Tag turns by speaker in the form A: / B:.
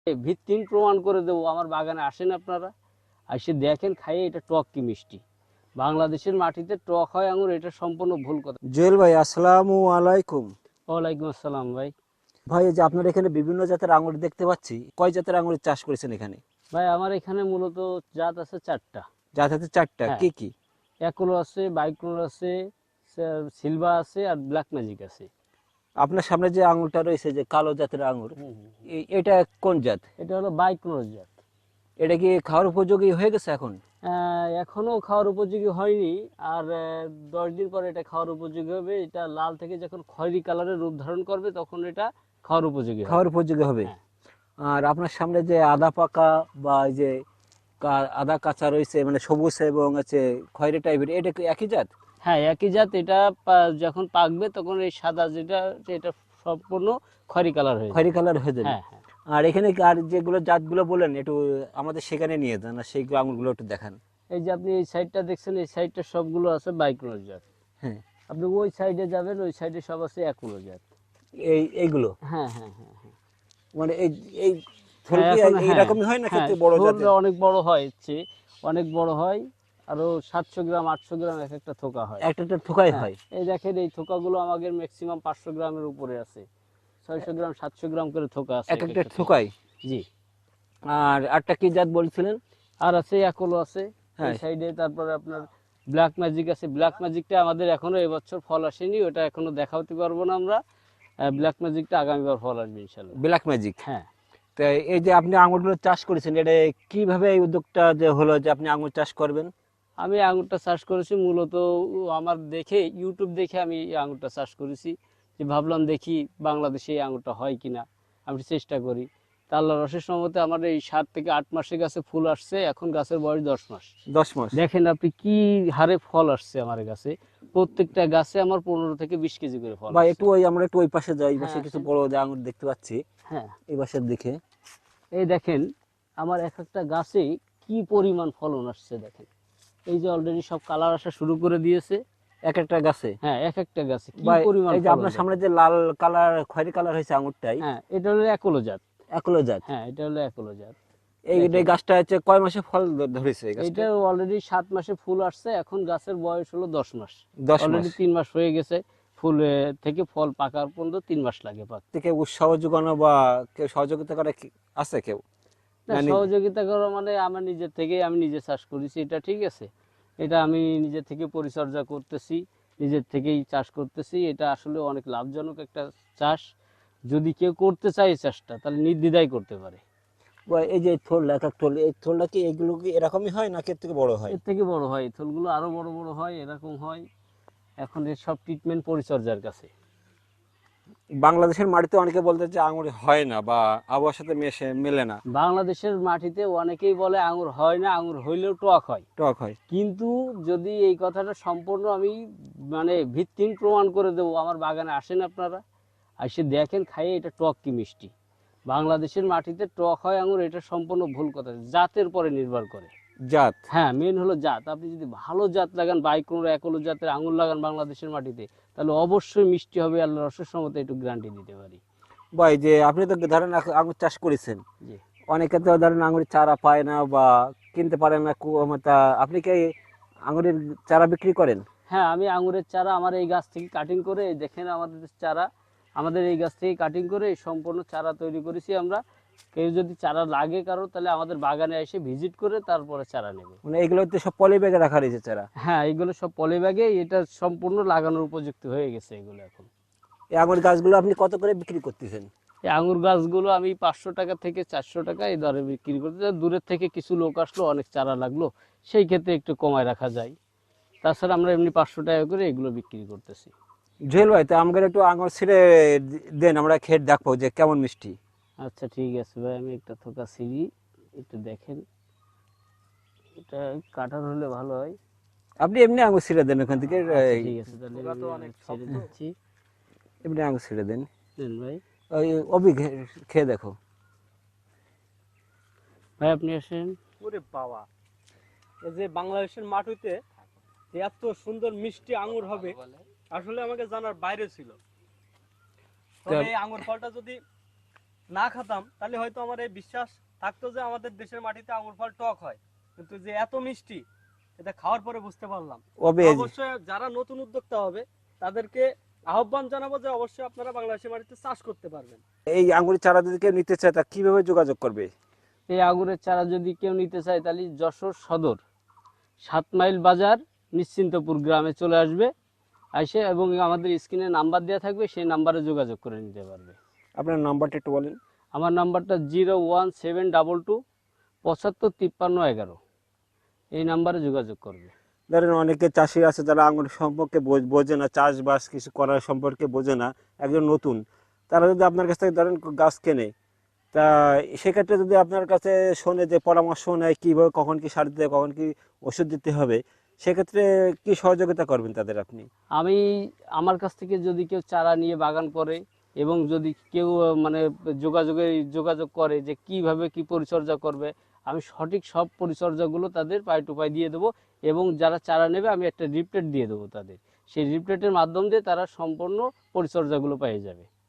A: ভিত্তিহীন প্রমাণ করে দেবো। আমার বাগানে আসেন আপনারা, এসে দেখেন, খাইয়ে এটা টক কি মিষ্টি। বাংলাদেশের মাটিতে টক হয় আঙুর, এটা সম্পূর্ণ ভুল কথা।
B: জুয়েল ভাই, আসসালামু আলাইকুম।
A: ওয়ালাইকুম আসসালাম ভাই।
B: ভাই, এই যে আপনার এখানে বিভিন্ন জাতের আঙুর দেখতে পাচ্ছি, কয় জাতের আঙুরের চাষ করেছেন এখানে?
A: ভাই আমার এখানে মূলত জাত আছে 4টা।
B: জাত আছে 4টা,
A: হ্যাঁ,
B: কি কি?
A: অ্যাকুলো আছে, বাইকুলো আছে, সিলভা আছে, আর ব্ল্যাক ম্যাজিক আছে।
B: আপনার সামনে যে আঙুরটা রয়েছে, যে কালো জাতের আঙুর,
A: হুম, হুম, হুম।
B: এটা কোন জাত?
A: এটা হলো বাইকুলো জাত।
B: এটা কি খাওয়ার উপযোগী হয়ে গেছে এখন?
A: এখনো খাওয়ার উপযোগী হয়নি, আর 10 দিন পরে এটা খাওয়ার উপযোগী হবে। এটা লাল থেকে যখন খয়েরি কালারের রূপ ধারণ করবে তখন এটা খাওয়ার উপযোগী হবে।
B: খাওয়ার উপযোগী হবে।
A: হ্যাঁ,
B: আর আপনার সামনে যে আদা পাকা বা এই যে আদা কাঁচা রয়েছে, মানে সবুজ এবং আছে খয়েরি টাইপের, এটা কি একই জাত?
A: হ্যাঁ, একই জাত। এটা যখন পাকবে তখন এই সাদা যেটা, এটা সম্পূর্ণ খয়েরি কালার হয়ে
B: খয়েরি
A: যাবে।
B: কালার হয়ে যাবে।
A: হ্যাঁ, হ্যাঁ।
B: আর এখানে আর যেগুলো জাতগুলো বলেন, একটু আমাদের সেখানে নিয়ে যান, আর সেইগুলো আঙুরগুলো একটু দেখান।
A: এই যে আপনি এই সাইডটা দেখছেন, এই সাইডটা সবগুলো আছে বাইকুলো জাত।
B: হ্যাঁ,
A: আপনি ওই সাইডে যাবেন, ওই সাইডে সব আছে অ্যাকুলো জাত।
B: এইগুলো
A: হ্যাঁ, হ্যাঁ, হ্যাঁ, হ্যাঁ।
B: মানে এই এই থোল
A: হ্যাঁ,
B: কি
A: এখন হ্যাঁ,
B: এইরকমই হয় না
A: হ্যাঁ,
B: ক্ষেত্রে বড়
A: থোর
B: জাতের?
A: অনেক বড় হয়, এর চেয়ে অনেক বড় হয়। আরো 700 গ্রাম 800 গ্রাম এক একটা থোকা হয়।
B: একটা একটা থোকাই
A: হ্যাঁ,
B: হয়।
A: এই দেখেন, এই থোকাগুলো আমাদের ম্যাক্সিমাম 500 গ্রামের উপরে আছে। 600 গ্রাম 700 গ্রাম করে থোকা আছে
B: এক
A: এক
B: একটা
A: একটা থোকা।
B: থোকাই।
A: জি।
B: আর একটা কি জাত বলছিলেন?
A: আর আছে অ্যাকোলো আছে এই
B: হ্যাঁ,
A: সাইডে। তারপরে আপনার ব্ল্যাক ম্যাজিক আছে। ব্ল্যাক ম্যাজিকটা আমাদের এখনো এবছর ফল আসেনি, ওটা এখনো দেখাতে পারবো না আমরা। ব্ল্যাক ম্যাজিকটা আগামীবার ফল আসবে ইনশাল্লাহ।
B: Black magic.
A: হ্যাঁ,
B: তো এই যে আপনি আঙুরগুলো চাষ করেছেন, এটা কিভাবে এই উদ্যোগটা যে হলো যে আপনি আঙুর চাষ করবেন?
A: আমি আঙুরটা চাষ করেছি মূলত আমার দেখে, ইউটিউব দেখে আমি এই আঙুরটা চাষ করেছি। যে ভাবলাম দেখি বাংলাদেশে এই আঙুরটা হয় কিনা, আমি চেষ্টা করি। তা আল্লাহর অশেষ রহমতে আমার এই 7 থেকে 8 মাসে গাছে ফুল আসছে। এখন গাছের বয়স 10 মাস।
B: 10 মাস?
A: দেখেন আপনি কি হারে ফল আসছে আমার গাছে। প্রত্যেকটা গাছে আমার 15 থেকে 20 কেজি করে ফল
B: বা
A: আসছে।
B: একটু আমরা একটু ওই পাশে যাই, এই পাশে
A: হ্যাঁ,
B: কিছু
A: আসেন।
B: বড় যে আঙুর দেখতে পাচ্ছি,
A: হ্যাঁ,
B: এই পাশের দিকে।
A: এই দেখেন আমার এক একটা গাছে কি পরিমাণ ফলন আসছে দেখেন। এই যে অলরেডি সব কালার আসা শুরু করে দিয়েছে।
B: এক একটা গাছে।
A: হ্যাঁ, এক একটা গাছে কি
B: বা
A: পরিমাণ
B: এই যে
A: ফলন
B: আপনার সামনে
A: দেখেন।
B: যে লাল কালার খয়েরি কালার হয়েছে আঙুরটাই,
A: হ্যাঁ, এটা হলো অ্যাকোলো জাত।
B: একলো জাত।
A: হ্যাঁ, এটা হলো অ্যাকোলো জাত।
B: এই
A: দেখেন,
B: গাছটা হচ্ছে কয় মাসে ফল ধরেছে এই গাছটা?
A: এটা অলরেডি 7 মাসে ফুল আসছে। এখন গাছের বয়স হলো 10 মাস।
B: 10 মাস
A: অলরেডি 3 মাস হয়ে গেছে। ফুল থেকে ফল পাকার পর্যন্ত 3 মাস লাগে পাকতে।
B: থেকে উৎসাহ যোগানো বা কেউ সহযোগিতা করে আছে কেউ?
A: না,
B: না
A: সহযোগিতা করা মানে আমার নিজের থেকেই, আমি নিজে চাষ করেছি, এটা ঠিক আছে। এটা আমি নিজে থেকে পরিচর্যা করতেছি, নিজের থেকেই চাষ করতেছি। এটা আসলে অনেক লাভজনক একটা চাষ। যদি কেউ করতে চায় এই চাষটা, তাহলে নির্দ্বিধায় করতে পারে।
B: বা এই যে থোল, এক এক থোল, এই থোলটা কি এগুলো কি এরকমই হয় নাকি এর থেকে বড় হয়?
A: এর থেকে বড় হয়, এই থলগুলো আরো বড় বড় হয়, এরকম হয়। এখন এর সব ট্রিটমেন্ট পরিচর্যার কাছে।
B: বাংলাদেশের মাটিতে অনেকে বলতে যে আঙুর হয় না বা আবহাওয়ার সাথে মেলে না,
A: বাংলাদেশের মাটিতে অনেকেই বলে আঙুর হয় না, আঙুর হইলেও টক হয়।
B: টক হয়।
A: কিন্তু যদি এই কথাটা সম্পূর্ণ আমি মানে ভিত্তিহীন প্রমাণ করে দেবো, আমার বাগানে আসেন আপনারা, এসে দেখেন, খাইয়ে এটা টক কি মিষ্টি। বাংলাদেশের মাটিতে টক হয় আঙুর, এটা সম্পূর্ণ ভুল কথা। জাতের পরে নির্ভর করে।
B: জাত।
A: হ্যাঁ, মেন হলো জাত। আপনি যদি ভালো জাত লাগান, বাইকোনো অ্যাকোলো জাতের আঙুর লাগান বাংলাদেশের মাটিতে, তাহলে অবশ্যই মিষ্টি হবে। আল্লাহর অশেষ রহমতে একটু গ্যারান্টি দিতে পারি।
B: বা এই যে আপনি তো ধরেন আঙুর চাষ করেছেন,
A: জি।
B: অনেকে তো ধরেন আঙুরের চারা পায় না বা কিনতে পারে না, তা আপনি কি আঙুরের চারা বিক্রি করেন?
A: হ্যাঁ, আমি আঙুরের চারা আমার এই গাছ থেকে কাটিং করে, এই দেখেন আমাদের চারা, আমাদের এই গাছ থেকে কাটিং করে এই সম্পূর্ণ চারা তৈরি করেছি আমরা। কেউ যদি চারা লাগে কারো, তাহলে আমাদের বাগানে এসে ভিজিট করে তারপরে চারা নেবে।
B: মানে এগুলোতে সব পলি ব্যাগে রাখা রয়েছে চারা?
A: হ্যাঁ, এগুলো সব পলি ব্যাগে, এটা সম্পূর্ণ লাগানোর উপযুক্ত হয়ে গেছে এগুলো এখন।
B: এই আঙুর গাছগুলো আপনি কত করে বিক্রি করতেছেন?
A: এই আঙুর গাছগুলো আমি 500 টাকা থেকে 400 টাকা এই দরে বিক্রি করতে চাই। দূরের থেকে কিছু লোক আসলো, অনেক চারা লাগলো, সেই ক্ষেত্রে একটু কমায় রাখা যায়। তাছাড়া আমরা এমনি 500 টাকা করে এগুলো বিক্রি করতেছি।
B: জুয়েল ভাই, তো আমাদের একটু আঙুর ছিঁড়ে দেন, আমরা খেয়ে দেখবো যে কেমন মিষ্টি।
A: আচ্ছা, ঠিক আছে ভাই, আমি একটা থোকা ছিঁড়ি, একটু দেখেন। এটা কাটার হলে ভালো হয়।
B: আপনি এমনি আঙুর ছিঁড়ে দেন ওখান থেকে,
A: আচ্ছা, ঠিক আছে, তাহলে
C: ওরা তো অনেক
A: ছেড়ে
C: শক্ত।
A: দিচ্ছি।
B: এমনি আঙুর ছিঁড়ে দেন।
A: দেন ভাই।
B: ওই অভি খেয়ে দেখো।
A: ভাই আপনি আসেন।
C: ওরে বাবা, এই যে বাংলাদেশের মাটিতে যে এত সুন্দর মিষ্টি আঙ্গুর হবে, আসলে আমাকে জানার বাইরে ছিল। তবে এই আঙ্গুর ফলটা যদি না খেতাম তাহলে হয়তো আমার এই বিশ্বাস থাকতো যে আমাদের দেশের মাটিতে আঙুর ফল টক হয়, কিন্তু যে এত মিষ্টি এটা খাওয়ার পরে বুঝতে পারলাম।
B: তবে
C: অবশ্যই যারা নতুন উদ্যোক্তা হবে তাদেরকে আহ্বান জানাবো যে অবশ্যই আপনারা বাংলাদেশের মাটিতে চাষ করতে পারবেন।
B: এই আঙ্গুরের চারা যদি কেউ নিতে চায় তা কিভাবে যোগাযোগ করবে?
A: এই আঙুরের চারা যদি কেউ নিতে চায় তাহলে যশোর সদর 7 মাইল বাজার নিশ্চিন্তপুর গ্রামে চলে আসবে, এসে এবং আমাদের স্ক্রিনে নাম্বার দেওয়া থাকবে, সেই নাম্বারে যোগাযোগ করে নিতে পারবে।
B: আপনার নাম্বারটা একটু বলেন।
A: আমার নাম্বারটা 01722 755311, এই নাম্বারে যোগাযোগ করবে।
B: ধরেন অনেকে চাষি আছে যারা আঙুর সম্পর্কে বোঝে না, চাষবাস কিছু করার সম্পর্কে বোঝে না, একজন নতুন, তারা যদি আপনার কাছ থেকে ধরেন গাছ কেনে, তা সেক্ষেত্রে যদি আপনার কাছে শোনে যে পরামর্শ নেয় কীভাবে কখন কি সার দিতে হবে, কখন কি ওষুধ দিতে হবে, সেক্ষেত্রে কি সহযোগিতা করবেন তাদের আপনি?
A: আমি আমার কাছ থেকে যদি কেউ চারা নিয়ে বাগান করে এবং যদি কেউ মানে যোগাযোগ করে যে কিভাবে কি পরিচর্যা করবে, আমি সঠিক সব পরিচর্যাগুলো তাদের পাই টু পাই দিয়ে দেবো। এবং যারা চারা নেবে আমি একটা রিপ্লেট দিয়ে দেবো তাদের, সেই রিপ্লেটের মাধ্যম দিয়ে তারা সম্পূর্ণ পরিচর্যাগুলো পেয়ে যাবে।